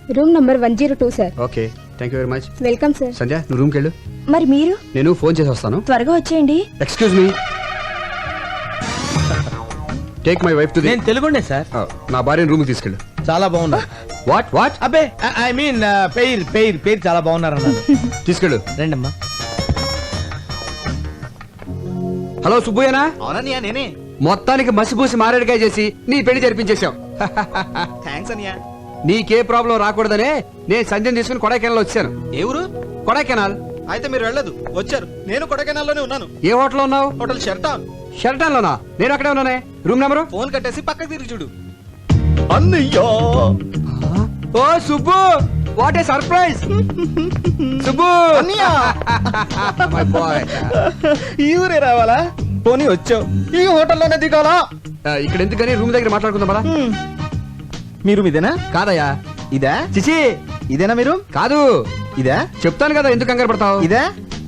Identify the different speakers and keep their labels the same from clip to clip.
Speaker 1: Room number 102 sir.
Speaker 2: Okay, thank you very much.
Speaker 1: Welcome sir.
Speaker 2: Sandhya, నువ్వు రూమ్కి వెళ్ళు.
Speaker 3: మరి మీరు?
Speaker 2: నేను ఫోన్ చేసి వస్తాను.
Speaker 3: త్వరగా వచ్చేయండి.
Speaker 2: Excuse me, take my wife to the.
Speaker 4: నేను తెలుగుండే సార్.
Speaker 2: నా భార్యను రూమ్కి తీసుకెళ్ళు.
Speaker 4: చాలా బాగున్నా.
Speaker 2: What what?
Speaker 4: అబ్బే ఐ మీన్ పేరు చాలా బాగున్నారు అన్నారు.
Speaker 2: తీసుకెళ్ళు.
Speaker 4: రండమ్మా.
Speaker 2: హలో సుబ్బయ్యనా?
Speaker 5: అవునన్నయ్య నేనే.
Speaker 2: మొత్తానికి మసిపూసి మారేడుకాయ చేసి నీ పెళ్లి జరిపించేశాం.
Speaker 5: థ్యాంక్స్ అన్నయ్య.
Speaker 2: నీకే ప్రాబ్లం రాకూడదనే నేను సంధ్యను తీసుకుని కొడైకెనాల్ వచ్చాను.
Speaker 5: ఏ ఊరు?
Speaker 2: కొడైకెనాల్.
Speaker 5: అయితే మీరు వెళ్ళదు, వచ్చారు. నేను కొడైకెనాల్లోనే ఉన్నాను.
Speaker 2: ఏ హోటల్లో ఉన్నావు?
Speaker 5: హోటల్ షెర్టాన్.
Speaker 2: షెల్టన్ లోనా? నేను అక్కడే ఉన్నానే. Room number?
Speaker 5: ఫోన్ కట్టేసి పక్కకి తిరిగి చూడు. అన్నయ్య.
Speaker 2: ఓ Subbu, what a surprise. Subbu
Speaker 5: అన్నయ్య.
Speaker 2: My boy.
Speaker 5: ఈ ఊరే రావాలా? పోనీ వచ్చావు, ఈ హోటల్లోనే దిగాలా?
Speaker 2: ఇక్కడ ఎందుకని రూమ్ దగ్గర మాట్లాడుకుందాం పదా.
Speaker 5: మీరు ఇదేనా?
Speaker 2: కాదయ్యా.
Speaker 5: ఇదా?
Speaker 2: చిచి,
Speaker 5: ఇదేనా మీరు?
Speaker 2: కాదు.
Speaker 5: ఇదా?
Speaker 2: చెప్తాను కదా, ఎందుకు కంగారు పడతావు.
Speaker 5: ఇదా?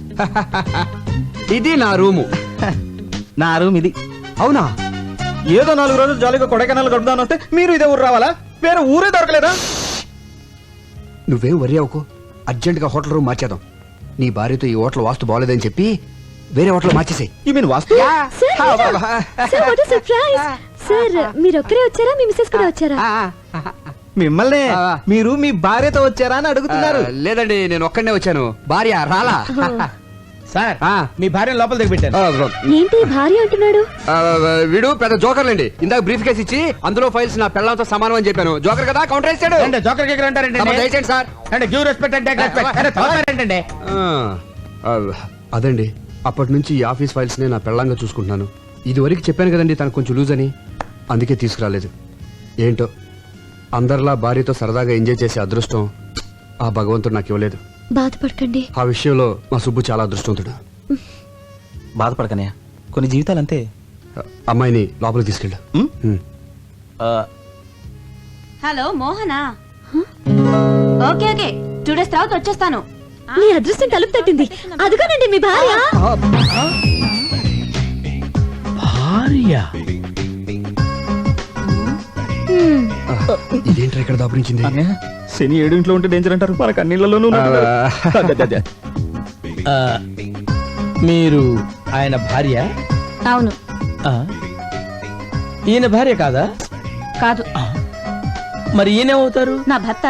Speaker 2: ఇది నా రూము.
Speaker 5: నా రూమ్ ఇది.
Speaker 2: అవునా?
Speaker 5: ఏదో 4 రోజులు జాలీగా కొడైకెనాల్ గడుపుదాని వస్తే మీరు ఇదే ఊరు రావాలా? వేరే ఊరే దొరకలేదా?
Speaker 2: నువ్వేం వరి అవ్వకు, అర్జెంట్ గా హోటల్ రూమ్ మార్చేద్దాం. నీ భార్యతో ఈ హోటల్ వాస్తు బాగోలేదని చెప్పి వేరే హోటల్ మార్చేసాయి.
Speaker 5: యు మీన్ వాస్తు?
Speaker 1: Sir what surprise. సార్ మీరు ఒక్కరే వచ్చారా, మీ మిస్సెస్ కూడా వచ్చారా?
Speaker 5: మిమ్మల్ని మీరు మీ భార్యతో వచ్చారా అని అడుగుతున్నారు.
Speaker 2: లేదండి, నేను ఒక్కడనే వచ్చాను, భార్య రాలా.
Speaker 4: సార్
Speaker 2: ఆ.
Speaker 4: మీ భార్యను లోపల దిగి పెట్టారు.
Speaker 1: ఏంటి భార్య అంటున్నాడు?
Speaker 2: వీడు పెద్ద జోకర్లండి. ఇందాక బ్రీఫ్ కేసు ఇచ్చి అందులో ఫైల్స్ నా పిల్లలతో సమానం అని చెప్పాను. జోకర్ కదా, కౌంటర్ వేసాడు.
Speaker 4: అంటే జోకర్ కేకర్ అంటారంటే
Speaker 2: దయచేయండి సార్.
Speaker 4: అంటే గివ్ రెస్పెక్ట్ అంటే ఏంటంటే
Speaker 2: అదండి, అప్పటి నుంచి ఈ ఆఫీస్ ఫైల్స్ నే నా పెళ్ళంగా చూసుకుంటున్నాను. ఇది వరకు చెప్పాను కదండి తనకు కొంచెం లూజ్ అని, అందుకే తీసుకురాలేదు. ఏంటో అందరిలా భార్యతో సరదాగా ఎంజాయ్ చేసే అదృష్టం ఆ భగవంతుడు నాకు ఇవ్వలేదు.
Speaker 1: బాధపడకండి.
Speaker 2: ఆ విషయంలో మా సుబ్బు చాలా అదృష్టవంతుడు.
Speaker 5: బాధపడకనయ్య, కొన్ని జీవితాలు అంతే.
Speaker 2: అమ్మాయిని లోపలికి తీసుకెళ్ళు.
Speaker 3: హలో మోహనా. ఓకే ఓకే 2 days తర్వాత వచ్చేస్తాను.
Speaker 1: మీ అదృష్టం తలుపు తట్టింది. అదిగోనండి మీ భార్య.
Speaker 2: ఇదేంట్రా ఇక్కడ దాపురించింది?
Speaker 5: శని 7 ఇంట్లో ఉంటే డేంజర్ అంటారు, మనకు అన్నిళ్లలోనూ
Speaker 4: మీరు ఆయన భార్య?
Speaker 3: అవును.
Speaker 4: ఈయన భార్య కాదా?
Speaker 3: కాదు.
Speaker 4: మరి ఈయనేమవుతారు?
Speaker 3: నా భర్త.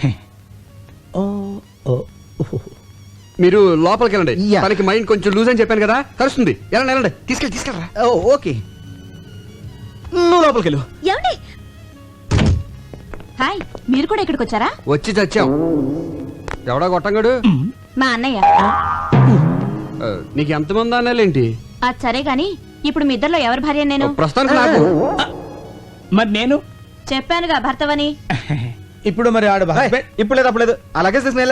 Speaker 2: మీరు లోపలికి వెళ్ళండి.
Speaker 5: యా.
Speaker 2: తనకి మైండ్ కొంచెం లూజ్ అని చెప్పాను కదా, కలుస్తుంది. వెళ్ళండి వెళ్ళండి, తీసుకెళ్ళరా.
Speaker 5: ఓకే, నువ్వు లోపలికి వెళ్ళు.
Speaker 1: ఏమండి?
Speaker 3: హాయ్, మీరు కూడా ఇక్కడికి వచ్చారా?
Speaker 2: వచ్చి చచ్చాం. ఎవడా కొట్టంగాడు?
Speaker 3: మా అన్నయ్య.
Speaker 2: నీకు ఎంతమంది అన్నాలేంటి?
Speaker 3: అది సరే గాని ఇప్పుడు మీ ఇద్దరిలో ఎవరి భార్య నేను?
Speaker 2: ప్రస్తుతానికి నాకు.
Speaker 4: మరి నేను
Speaker 3: చెప్పానుగా భర్తవని.
Speaker 4: ఇప్పుడు మరి ఆడు husband?
Speaker 5: ఇప్పుడు లేదు, అప్పుడు లేదు. అలాగే తీసుకుని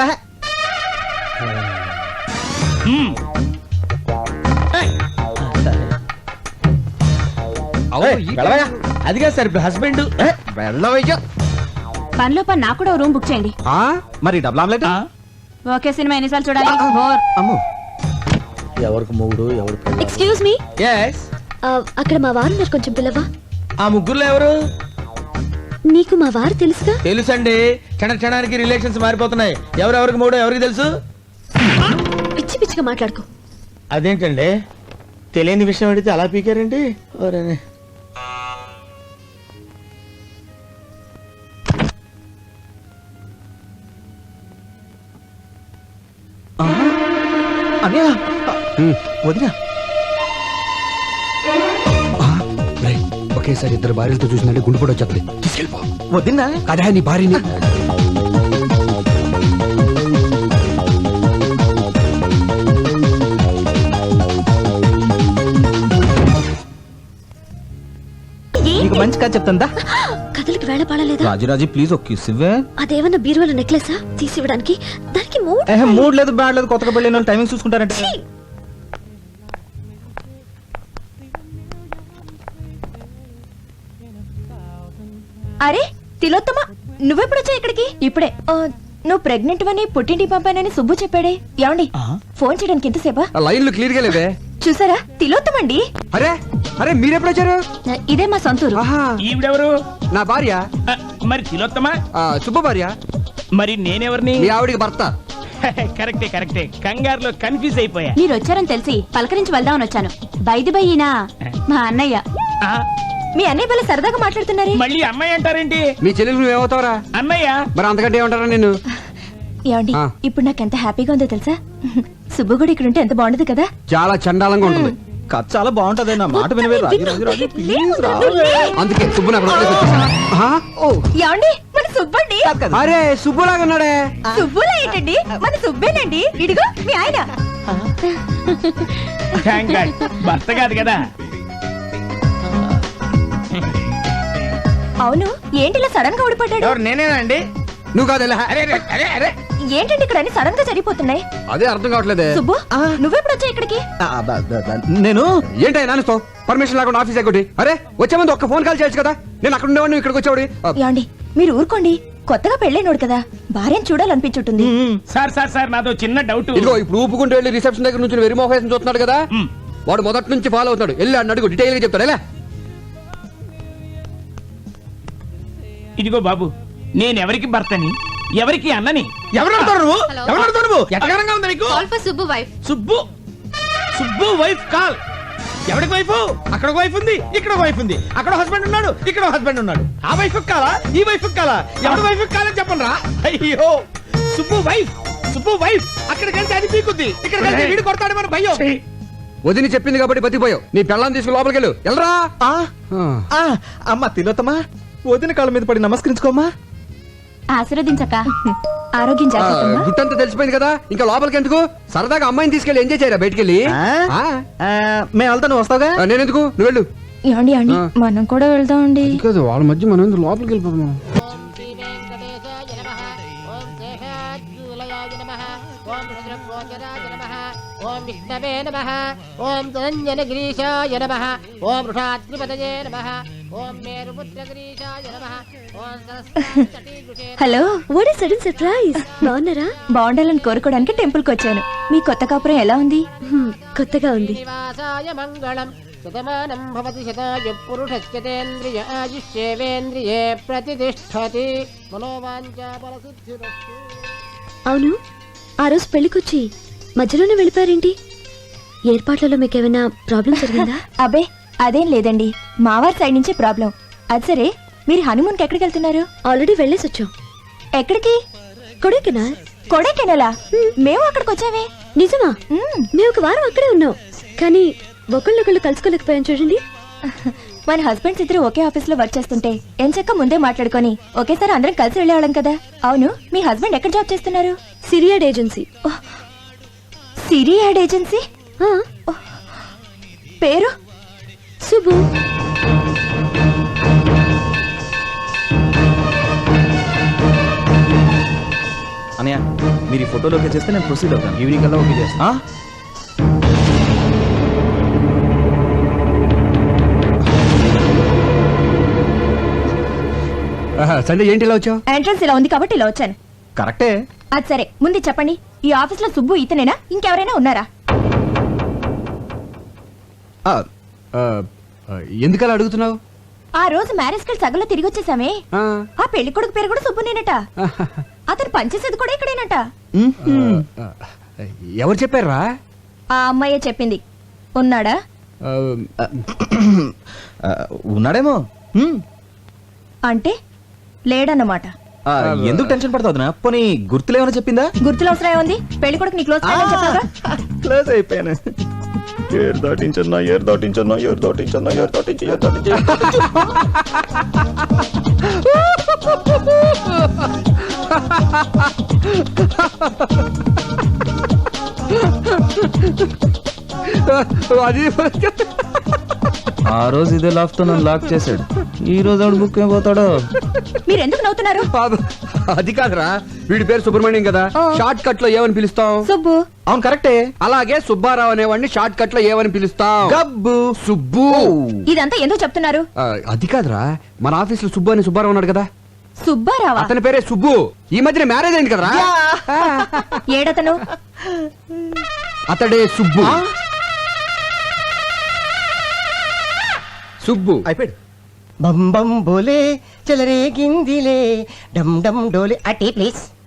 Speaker 4: అదిగా సార్ ఇప్పుడు హస్బెండ్.
Speaker 5: వెళ్ళవయ్యా.
Speaker 3: పనిలో పని నాకు కూడా రూమ్ బుక్ చేయండి.
Speaker 5: మరి డబుల్ ఆమ్లెట్?
Speaker 3: ఓకే సినిమా ఎన్నిసార్లు చూడాలి? బోర్.
Speaker 5: అమ్మో,
Speaker 4: ఎవరికి మొగుడు ఎవరు?
Speaker 1: Excuse me,
Speaker 4: yes.
Speaker 1: అక్కడ మా వారు ఉన్నారు, కొంచెం పిల్లవా?
Speaker 4: ఆ ముగ్గురులో ఎవరు?
Speaker 1: నీకు మా వారు తెలుసుగా?
Speaker 4: తెలుసండి, క్షణానికి రిలేషన్స్ మారిపోతున్నాయి. ఎవరెవరికి మూడో ఎవరికి తెలుసు?
Speaker 1: పిచ్చి పిచ్చిగా మాట్లాడుకో.
Speaker 4: అదేంటండి, తెలియని విషయం అడిగితే అలా పీకారండి. ఎవరని
Speaker 5: అన్నయ్య, వదినా.
Speaker 2: ఒకేసారి ఇద్దరు భార్యలతో చూసినట్టు గుండు కూడా వచ్చేది. తీసుకెళ్ళిపో.
Speaker 5: వదినా
Speaker 2: అదే నీ భార్యని.
Speaker 5: నీకు మంచి కథ చెప్తుందా?
Speaker 1: కథలకి వేళ పడలేదా?
Speaker 5: రాజురాజు ప్లీజ్ ఒక కిస్ ఇవ్వే.
Speaker 1: అదేమన్నా బీరువాల నెక్లెసా తీసి ఇవ్వడానికి? దానికి
Speaker 5: మూడ్ లేదు, బ్యాడ్ లేదు. కొత్తగా పెళ్ళిన వాళ్ళు టైమింగ్ చూసుకుంటారంటే.
Speaker 3: అరే తిలోత్తమ, నువ్వెప్పుడు వచ్చా ఇక్కడికి? ఇప్పుడే. నువ్వు ప్రెగ్నెంట్ అని పుట్టింటి పంపానని సుబ్బు చెప్పాడే. ఏమండి ఫోన్ చేయడానికి ఎంతసేపా?
Speaker 2: లైన్లు క్లియర్ గా లేవే.
Speaker 3: చూసారా, తిలోత్తమండి.
Speaker 2: అరే అరే మీరెప్పుడు వచ్చారు?
Speaker 3: ఇదే మా సొంతూరు.
Speaker 4: ఈవిడెవరు?
Speaker 2: నా భార్య.
Speaker 4: మరి తిలోత్తమా?
Speaker 2: సుబ్బు భార్య.
Speaker 6: మరి నేనెవరిని?
Speaker 2: మీ ఆవిడికి భర్త.
Speaker 6: కరెక్టే కరెక్టే, కంగారులో కన్ఫ్యూజ్ అయిపోయా.
Speaker 1: మీరు వచ్చారని తెలిసి పలకరించి వెళ్దామని వచ్చాను. బైది బయ్యినా మా అన్నయ్య.
Speaker 6: ఆ,
Speaker 3: మీ అన్నయ్య వల్ల సరదాగా మాట్లాడుతున్నారే.
Speaker 6: మళ్ళీ అమ్మాయి అంటారేంటి?
Speaker 2: మీ చెల్లెలు నువ్వేమవుతావురా?
Speaker 6: అన్నయ్య.
Speaker 2: మరి అంతకంటే ఏమంటారా నిన్ను?
Speaker 3: ఏమండి
Speaker 2: ఆ.
Speaker 3: ఇప్పుడు నాకు ఎంత హ్యాపీగా ఉందో తెలుసా? సుబ్బు కూడా ఇక్కడ ఉంటే ఎంత బాగుండదు కదా.
Speaker 2: చాలా చండాలంగా ఉంటుంది.
Speaker 5: కథ చాలా బాగుంటది, నా మాట వినవే. రాజు రాజు రాజు ప్లీజ్ రా.
Speaker 2: అందుకే సుబ్బు నాకు వదిలేసి వచ్చేసా. ఆ?
Speaker 3: ఏమండి మన సుబ్బండి.
Speaker 2: అరే సుబ్బులాగా ఉన్నాడే.
Speaker 3: సుబ్బులా ఏంటండి, మన సుబ్బేనండి. ఇడిగో మీ ఆయన.
Speaker 6: Thank God. భర్త కాదు కదా.
Speaker 3: అవును ఏంటి ఇలా సడన్ గా ఊడిపడ్డాడు?
Speaker 4: ఎవరు నేనేనండి?
Speaker 2: నువ్వు కాదు ఎలా?
Speaker 4: అరే అరే అరే అరే
Speaker 3: ఏంటండి ఇక్కడ అన్ని సడన్ గా జరిగిపోతున్నాయి?
Speaker 2: అదే అర్థం కావట్లేదే.
Speaker 3: సుబ్బు నువ్వెప్పుడు వచ్చా ఇక్కడికి?
Speaker 5: నేను
Speaker 2: ఏంటో నాన్నతో పర్మిషన్ లేకుండా ఆఫీస్ ఎగ్గొట్టి. అరే వచ్చే ముందు ఒక్క ఫోన్ కాల్ చేయొచ్చు కదా. నేను అక్కడ ఉండేవాడిని, నువ్వు ఇక్కడికి వచ్చేవాడి.
Speaker 3: ఏమండి మీరు ఊరుకోండి, కొత్తగా పెళ్ళైనోడు కదా, భార్యను చూడాలనిపించుంటుంది.
Speaker 6: సార్ సార్ సార్ నాదో చిన్న డౌట్.
Speaker 2: ఇదిగో ఇప్పుడు ఊపుకుంటూ వెళ్ళి రిసెప్షన్ దగ్గర నుంచి వెరిమోహేషన్ చూస్తున్నాడు కదా. వాడు మొదటి నుంచి ఫాలో అవుతాడు. వెళ్ళి అన్న అడుగు, డీటెయిల్ గా చెప్తాడు. ఎలా?
Speaker 6: ఇదిగో బాబు, నేనెవరికి భర్తని, ఎవరికి అన్నని?
Speaker 4: ఎవరు అడుగుతారు నువ్వు? ఎవరు అడుగుతారు నువ్వు? ఎట్టగారంగా ఉంది నీకు?
Speaker 1: Subbu wife.
Speaker 4: Subbu Subbu wife call. ఎవరికి వైఫ్? అక్కడ వైఫ్ ఉంది, ఇక్కడ వైఫ్ ఉంది. అక్కడ హస్బెండ్ ఉన్నాడు, ఇక్కడ హస్బెండ్ ఉన్నాడు. ఆ వైఫ్ కాలా, ఈ వైఫ్ కాలా? ఎవరి వైఫ్ కాలని చెప్పండి రా. అయ్యో సుబ్బు వైఫ్, సుబ్బు వైఫ్. అక్కడికి వెళ్తే అది పీకుద్ది, ఇక్కడికి వెళ్తే వీడు కొడతాడు మన భయ్యో.
Speaker 2: వదిని చెప్పింది కాబట్టి బతికిపోయావు. నీ పెళ్ళాన్ని తీసుకుని లోపలికి వెళ్ళు. వెళ్ళరా.
Speaker 5: అమ్మ తిలోత్తమా, వదిన కాళ్ళ మీద పడి నమస్కరించుకోమ్మా.
Speaker 1: ఆశీర్వదించక.
Speaker 3: ఆరోగ్యం జాగ్రత్తమ్మా.
Speaker 2: గుట్టంతా తెలిసిపోయింది కదా, ఇంకా లోపలికి ఎందుకు? సరదాగా అమ్మాయిని తీసుకెళ్ళి ఎంజాయ్ చేయరా బయటికి వెళ్ళి.
Speaker 5: మేము వెళ్తా, నువ్వు వస్తావుగా.
Speaker 2: నేనెందుకు, నువ్వు వెళ్ళు.
Speaker 3: ఏమండి ఏమండి మనం కూడా వెళ్దామండి.
Speaker 2: కాదు వాళ్ళ మధ్య మనం ఎందుకు లోపలికి వెళ్ళిపోతాం?
Speaker 7: ఓం విష్ణవే నమః. ఓం ధనంజనగిరీశాయ నమః. ఓం వృషాద్రిపతయే నమః. ఓం మేరుపుత్రగిరీశాయ నమః. ఓం Saraswati.
Speaker 3: Hello,
Speaker 1: what is sudden surprise? బాగున్నారా?
Speaker 3: బాగుండాలని కోరుకోవడానికి టెంపుల్ కి వచ్చాను. మీ కొత్త కాపురం ఎలా ఉంది?
Speaker 1: కొత్తగా ఉంది.
Speaker 7: శ్రీనివాసాయ మంగళం. శతమానం భవతి శతాయు పురుషస్యతేంద్రియ ఆయుష్యేవేంద్రియే ప్రతిష్టతి. మనోవాంఛా ఫలసిద్ధిరస్తు.
Speaker 1: అవును, ఆ రోజు పెళ్లికొచ్చి మధ్యలోనే వెళ్ళిపోయారేంటి? ఏర్పాట్లలో మీకేమైనా ప్రాబ్లం జరిగిందా?
Speaker 3: అబ్బే అదేం లేదండి, మావారి సైడ్ నుంచే ప్రాబ్లం. అది సరే, మీరు హనీమూన్ కి ఎక్కడికి వెళ్తున్నారు?
Speaker 1: ఆల్రెడీ వెళ్ళేసి వచ్చాం.
Speaker 3: ఎక్కడికి?
Speaker 1: కొడైకెనాల్.
Speaker 3: కొడైకెనాలా? మేము అక్కడికి వచ్చామే.
Speaker 1: నిజమా? మేము ఒక వారం అక్కడే ఉన్నాం, కానీ ఒకళ్ళొకళ్ళు కలుసుకోలేకపోయాం చూడండి.
Speaker 3: మన హస్బెండ్స్ ఇద్దరు ఒకే ఆఫీస్ లో వర్క్ చేస్తుంటే ఎంచక్క ముందే మాట్లాడుకొని ఒకేసారి అందరం కలిసి వెళ్ళేవాళ్ళం కదా. అవును, మీ హస్బెండ్ ఎక్కడ జాబ్ చేస్తున్నారు?
Speaker 1: సిరియాడ్ ఏజెన్సీ.
Speaker 3: Siri ad agency. పేరు?
Speaker 1: సుబ్బు.
Speaker 5: అనయ్య, మీరు ఈ ఫోటోలోకి చేస్తే నేను ప్రొసీడ్ అవుతాను.
Speaker 2: ఈవినింగ్ కల్లా ఓకే చేస్తా. సంజయ్ ఏంటి ఇలా వచ్చావు?
Speaker 3: ఎంట్రన్స్ ఇలా ఉంది కాబట్టి ఇలా వచ్చాను.
Speaker 5: కరెక్టే.
Speaker 3: అది సరే, ముందు చెప్పండి, ఈ ఆఫీస్ లో సుబ్బు ఇతనేనా, ఇంకెవరైనా ఉన్నారా?
Speaker 2: ఎందుకలా అడుగుతున్నావు?
Speaker 3: ఆ రోజు మ్యారేజ్ కి సగంలో తిరిగి వచ్చేసామే. ఆ పెళ్లి కొడుకు పేరు కూడా సుబ్బునేనట. అతను పనిచేసేది కూడా ఇక్కడేనట.
Speaker 2: ఎవరు చెప్పారా?
Speaker 3: ఆ అమ్మాయే చెప్పింది. ఉన్నాడా?
Speaker 5: ఉన్నాడేమో.
Speaker 3: అంటే లేడన్నమాట.
Speaker 5: ఎందుకు టెన్షన్ పడతావు? పోనీ గుర్తులేమన్నా చెప్పిందా?
Speaker 3: గుర్తులు అవసరం ఏముంది? పెళ్లి కొడుకు నీ క్లోజ్ ఫ్రెండ్ అని చెప్పాగా.
Speaker 5: క్లోజ్ అయిపోయాను. ఏరు దాటించన్నా, ఏరు దాటించన్నా, ఏరు దాటించన్నా, ఏరు దాటించి, ఏరు దాటించి.
Speaker 2: అది
Speaker 5: ఆ రోజు ఇదే లాక్ తో నన్ను లాక్ చేశాడు. ఈ రోజు ఆవిడ బుక్ అయిపోతాడు.
Speaker 3: మీరు ఎందుకు నవ్వుతున్నారు?
Speaker 2: అది కాదురా, వీడి పేరు సుబ్రహ్మణ్యం కదా, షార్ట్ కట్ లో ఏమని పిలుస్తాం?
Speaker 3: సుబ్బు.
Speaker 5: అవును కరెక్టే.
Speaker 2: అలాగే సుబ్బారావు అనేవాడిని షార్ట్ కట్ లో ఏమని పిలుస్తాం?
Speaker 5: గబ్బు.
Speaker 2: సుబ్బు.
Speaker 3: ఇదంతా ఎందుకు చెప్తున్నారు?
Speaker 2: అది కాదురా, మన ఆఫీస్ లో సుబ్బు అని సుబ్బారావు ఉన్నాడు కదా.
Speaker 3: సుబ్బారావా?
Speaker 2: అతని పేరే సుబ్బు. ఈ మధ్యన మ్యారేజ్ అయింది కదరా.
Speaker 3: ఏడతను?
Speaker 2: అతడే సుబ్బు. సుబ్బు
Speaker 5: అయిపోయాడు.
Speaker 7: బం బం బోలే చలరే గిందిలే డమ్ డమ్ డోలే. అటీ ప్లీజ్.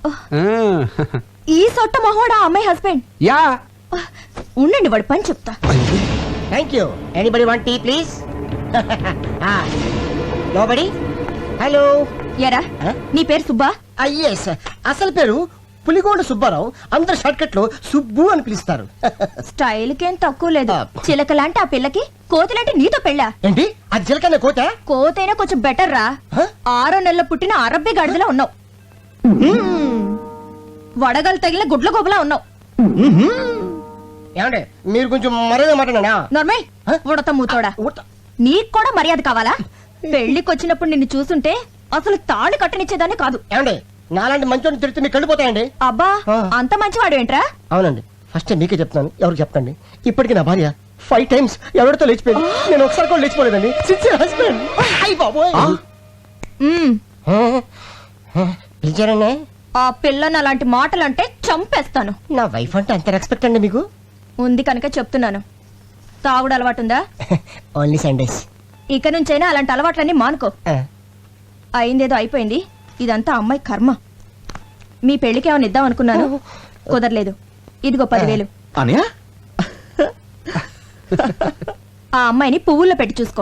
Speaker 3: ఈ సొట్ట మొహోడా అమ్మాయి హస్బెండ్.
Speaker 2: యా
Speaker 3: ఉండండి వాడు పని చెప్తా.
Speaker 7: Thank you. Anybody want tea please? Nobody. Hello.
Speaker 3: ఎరా నీ పేరు సుబ్బా?
Speaker 7: ఎస్, అసలు పేరు పులిగోండ సుబ్బారావు. అందరు షార్ట్ కట్ లో సుబ్బు అని పిలుస్తారు.
Speaker 3: స్టైల్ కేం తక్కువ లేదు. చిలకలాంటి ఆ పిల్లకి కోతులంటే నీతో పెళ్ళా?
Speaker 7: ఏంటి అది చిలకనే కోత?
Speaker 3: కోతైనా కొంచెం బెటర్ రా. 6 నెలల పుట్టిన అరబ్బి గాడిదలా ఉన్నావు. వడగలు తగిలిన గుడ్ల గోబలా ఉన్నావు.
Speaker 7: ఏమంటే మీరు కొంచెం మర్యాద మాట్లాడా?
Speaker 3: నర్మయ్ ఉడత మూతోడా. నీకు కూడా మర్యాద కావాలా? పెళ్లికి వచ్చినప్పుడు నిన్ను చూసుంటే అసలు తాళి కట్టనిచ్చేదాన్ని కాదు.
Speaker 7: ఏమండి నాలాంటి మంచోడిని తిడితే మీకు కళ్ళిపోతాయండి.
Speaker 3: అబ్బా అంత మంచివాడు ఏంట్రా?
Speaker 7: అవునండి, ఫస్ట్ మీకే చెప్తాను, ఎవరికి చెప్పండి. ఇప్పటికి నా భార్య 5 times ఎవరితో లేచిపోయింది. నేను ఒకసారి కూడా లేచిపోలేదండి. Sincere husband. అయ్య బాబోయ్. పిలిచారండి?
Speaker 3: ఆ పిల్లని అలాంటి మాటలంటే చంపేస్తాను.
Speaker 7: నా వైఫ్ అంటే అంత రెస్పెక్ట్ అండి మీకు?
Speaker 3: ఉంది కనుక చెప్తున్నాను. తాగుడు అలవాటుందా?
Speaker 7: Only Sundays.
Speaker 3: ఇక నుంచైనా అలాంటి అలవాట్లన్నీ మానుకో. అయిందేదో అయిపోయింది. ఇదంతా అమ్మాయి కర్మ. మీ పెళ్లికి ఏమైనా ఇద్దాం అనుకున్నాను, కుదరలేదు. ఇదిగో 10,000.
Speaker 5: అనయా
Speaker 3: ఆ అమ్మాయిని పువ్వుల్లో పెట్టి చూసుకో.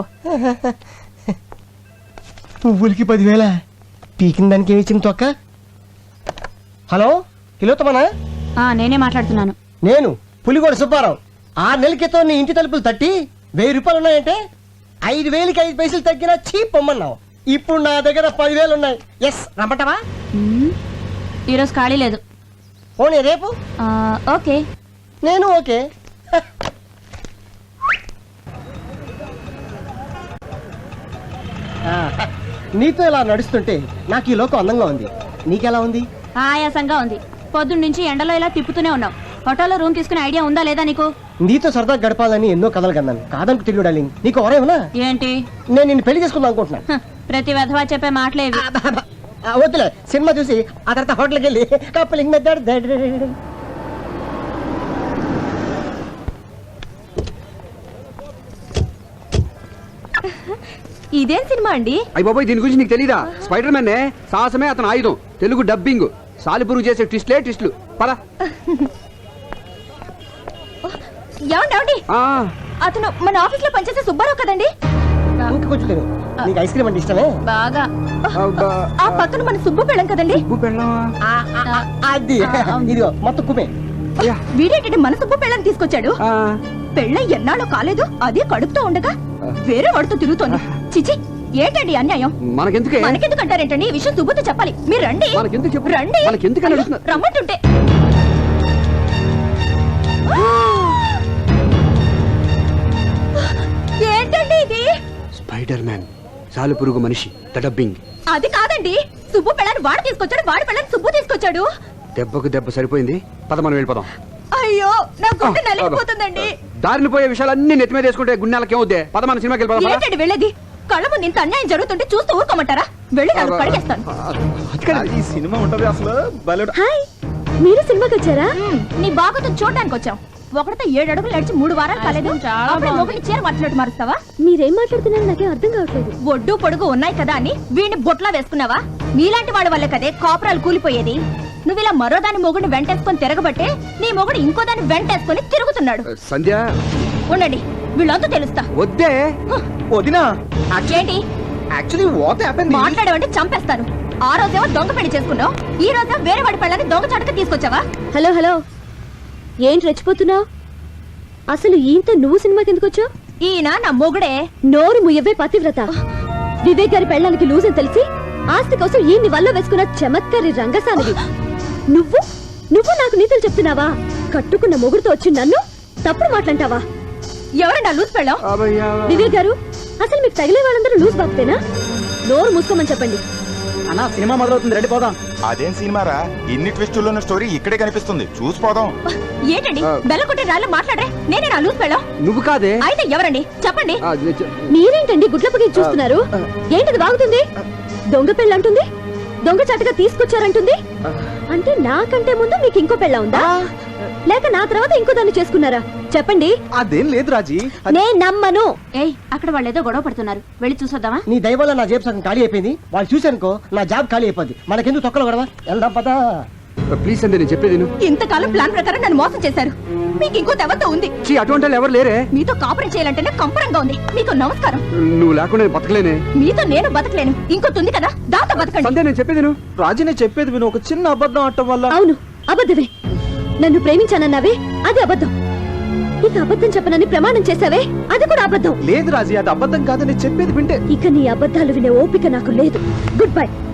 Speaker 7: పువ్వులకి 10,000? పీకిన దానికి ఏమి ఇచ్చింది తొక్క? హలో, కిలోతమనా?
Speaker 1: నేనే మాట్లాడుతున్నాను.
Speaker 7: నేను పులిగోడ సుబ్బారావు. 6 నెలల క్రితం నీ ఇంటి తలుపులు తట్టి 1000 రూపాయలు ఉన్నాయంటే 5,000కి 5 పైసలు తగ్గినా చీప్ పొమ్మన్నావు. ఇప్పుడు నా దగ్గర 10,000 ఉన్నాయి. ఎస్, రమ్మంటావా?
Speaker 1: ఈరోజు ఖాళీ లేదు.
Speaker 7: పోనీ రేపు?
Speaker 1: ఓకే.
Speaker 7: నేను ఓకే. నీతో ఇలా నడుస్తుంటే నాకు ఈ లోకం అందంగా ఉంది. నీకెలా ఉంది?
Speaker 1: ఆయాసంగా ఉంది. పొద్దున్న నుంచి ఎండలో ఇలా తిప్పుతూనే ఉన్నావు. హోటల్లో రూమ్ తీసుకునే ఐడియా ఉందా లేదా నీకు?
Speaker 7: నీతో సరదా గడపాలని ఎన్నో కథలు కన్నాను. కాదంటూ తిరిగి డార్లింగ్. నీకు ఎవరేమన్నా?
Speaker 1: ఏంటి?
Speaker 7: నేను నిన్ను పెళ్లి చేసుకుందాం అనుకుంటున్నాను.
Speaker 1: ప్రతి వెధవా చెప్పే మాటలేవి.
Speaker 7: వద్దులే, సినిమా చూసి ఆ తర్వాత హోటల్కి వెళ్ళి కప్పులింగ్ మెథడ్.
Speaker 3: ఇదేం సినిమా అండి?
Speaker 2: అయ్య బాబాయ్, దీని గురించి నీకు తెలీదా? స్పైడర్ మ్యాన్ సాహసమే అతను ఆయుధం. తెలుగు డబ్బింగ్. సాలిపురుగు చేసే ట్విస్టులు. పద.
Speaker 3: ఏమండి, అతను మన ఆఫీస్ లో పనిచేసే సుబ్బారావు కదండి?
Speaker 7: ఇంకా కొంచెం తిను. నీకు ఐస్ క్రీమ్ అంటే ఇష్టమే?
Speaker 3: బాగా. ఆ పక్కన మన సుబ్బు పెళ్ళం కదండి?
Speaker 7: అది ఇదిగో మొత్తం కుమే.
Speaker 3: వీడేంటంటే మన సుబ్బు పెళ్ళని తీసుకొచ్చాడు. పెళ్ళ ఎన్నాళ్ళు కాలేదు, అదే కడుపుతో ఉండగా వేరే వాడితో తిరుగుతోంది. చిచి, ఏంటండి అన్యాయం? మనకెందుకు అంటారేంటండి? ఈ విషయం సుబ్బుతో చెప్పాలి. మీరు రండి. రండి. రమ్మంటుంటే ఏంటండి ఇది?
Speaker 2: స్పైడర్ మ్యాన్, సాలిపురుగు మనిషి, డబ్బింగ్.
Speaker 3: అది కాదండి, సుబ్బు పెళ్ళని వాడు తీసుకొచ్చాడు, వాడి పెళ్ళని సుబ్బు తీసుకొచ్చాడు.
Speaker 2: దెబ్బకు దెబ్బ సరిపోయింది. పద, మనం వెళ్ళిపోదాం.
Speaker 3: అయ్యో, నా గుండె నలిగిపోతుందండి.
Speaker 2: దారిని పోయే విషయాలన్నీ నెత్తి మీద వేసుకుంటే గుండెలకి ఏమవుద్ది? పద, మన సినిమాకి వెళ్ళిపోదాం.
Speaker 3: ఏంటండి వెళ్ళేది? కళ్ళ ముందు ఇంత అన్యాయం జరుగుతుంటే చూస్తూ ఊరుకోమంటారా? వెళ్ళి నాకు కడిగేస్తాను.
Speaker 5: ఈ సినిమా ఉంటది అసలు.
Speaker 1: హాయ్, మీరు సినిమాకి వచ్చారా?
Speaker 3: నీ బాగుతో చూడడానికి వచ్చాం. ఒకటితో 7 అడుగులు నడిచి 3 వారాలు కాలేదు. అప్పుడే మొగుడిని చీర మాట్లాడు మారుస్తావా?
Speaker 1: మీరేం మాట్లాడుతున్నారో నాకేం అర్థం కావట్లేదు.
Speaker 3: ఒడ్డు పొడుగు ఉన్నాయి కదా అని వీడిని బొట్లా వేసుకున్నావా? నీలాంటి వాళ్ళ వల్ల కదే కాపురాలు కూలిపోయేది. నువ్వు ఇలా మరో దాని మొగుడిని వెంటేసుకొని తిరగబట్టే నీ మొగుడు ఇంకో దాన్ని వెంటేసుకొని తిరుగుతున్నాడు.
Speaker 2: సంధ్య,
Speaker 3: ఉండండి, వీళ్ళంతా తెలుస్తా.
Speaker 2: వద్దే.
Speaker 5: వదినా,
Speaker 3: ఏంటి
Speaker 5: యాక్చువల్లీ వాట్ హ్యాపెండ్?
Speaker 3: మాట్లాడేవంటే చంపేస్తాను. ఆ రోజేమో దొంగ పెళ్లి చేసుకున్నావు, ఈ రోజేమో వేరే వాడి పెళ్ళని దొంగ చాటుగా తీసుకొచ్చావా?
Speaker 1: హలో, ఏంటి రెచ్చిపోతున్నావు? అసలు ఈయనతో నువ్వు సినిమాకి ఎందుకు వచ్చావు?
Speaker 3: ఈయన నా మొగుడే.
Speaker 1: నోరు ముయ్యవే పతివ్రత. వివేక్ గారి పెళ్ళానికి లూజ్ అని తెలిసి ఆస్తి కోసం ఈయన్ని వల్ల వేసుకున్న చమత్కారి రంగసానివి. నువ్వు నాకు నీతులు చెప్తున్నావా? కట్టుకున్న మొగుడుతో వచ్చి నన్ను తప్పుడు మాట్లాంటావా?
Speaker 3: ఎవరండి లూజ్ పెళ్ళాం?
Speaker 1: వివేక్ గారు, అసలు మీకు తగిలే వాళ్ళందరూ లూజ్ బాక్తేనా? నోరు మూసుకోమని చెప్పండి.
Speaker 4: అన్నా, సినిమా మొదలవుతుంది, రెడీ పోదాం.
Speaker 8: అదేం సినిమారా? ఇన్ని ట్విస్టుల్లో ఉన్న స్టోరీ ఇక్కడే కనిపిస్తుంది, చూసిపోదాం.
Speaker 3: ఏంటండి బెల్ల కొట్టి రాళ్ళు మాట్లాడరే? నేనే నా లూజ్ పెళ్ళాం.
Speaker 2: నువ్వు కాదే.
Speaker 3: అయితే ఎవరండి చెప్పండి.
Speaker 1: మీరేంటండి గుడ్లపకి చూస్తున్నారు? ఏంటిది బాగుతుంది? దొంగ పెళ్ళంటుంది, దొంగ చాటుగా తీసుకొచ్చారంటుంది. అంటే నాకంటే ముందు మీకు ఇంకో పెళ్ళ ఉందా, లేక నా తర్వాత ఇంకో దాన్ని చేసుకున్నారా? చెప్పండి.
Speaker 5: అదేం లేదు రాజీ.
Speaker 1: నేను నమ్మను.
Speaker 3: ఏయ్, అక్కడ వాళ్ళు ఏదో గొడవ పడుతున్నారు, వెళ్ళి చూసొద్దామా?
Speaker 7: నీ దయ వల్ల నా జేబు సగం ఖాళీ అయిపోయింది. వాళ్ళు చూశానుకో నా జాబ్ ఖాళీ అయిపోద్ది. మనకెందుకు తొక్కలు గొడవ? వెళ్దాం పదా.
Speaker 2: ప్లీజ్ సంధ్య నేను చెప్పేది విను.
Speaker 3: ఇంతకాలం ప్లాన్ ప్రకారం నన్ను మోసం చేశారు. మీకు ఇంకో దేవత ఉంది.
Speaker 2: ఛీ, అటువంటి వాళ్ళు ఎవరు లేరే.
Speaker 3: మీతో కాపురం చేయాలంటేనే కంపరంగా ఉంది. మీకు నమస్కారం.
Speaker 2: నువ్వు లేకుండా నేను బతకలేనే.
Speaker 3: మీతో నేను బతకలేను. ఇంకోటి ఉంది కదా, దాంతో బతకండి.
Speaker 2: సంధ్య నేను చెప్పేది విను.
Speaker 5: రాజీనే చెప్పేది విను, ఒక చిన్న అబద్ధం ఆడటం వల్ల.
Speaker 1: అవును, అబద్ధమే. నన్ను ప్రేమించానన్నావే, అది అబద్ధం. ఇక అబద్ధం చెప్పనని ప్రమాణం చేశావే, అది కూడా అబద్ధం.
Speaker 5: లేదు రాజీ, అది అబద్ధం కాదని చెప్పేది వింటే.
Speaker 1: ఇక నీ అబద్ధాలు వినే ఓపిక నాకు లేదు. Good by.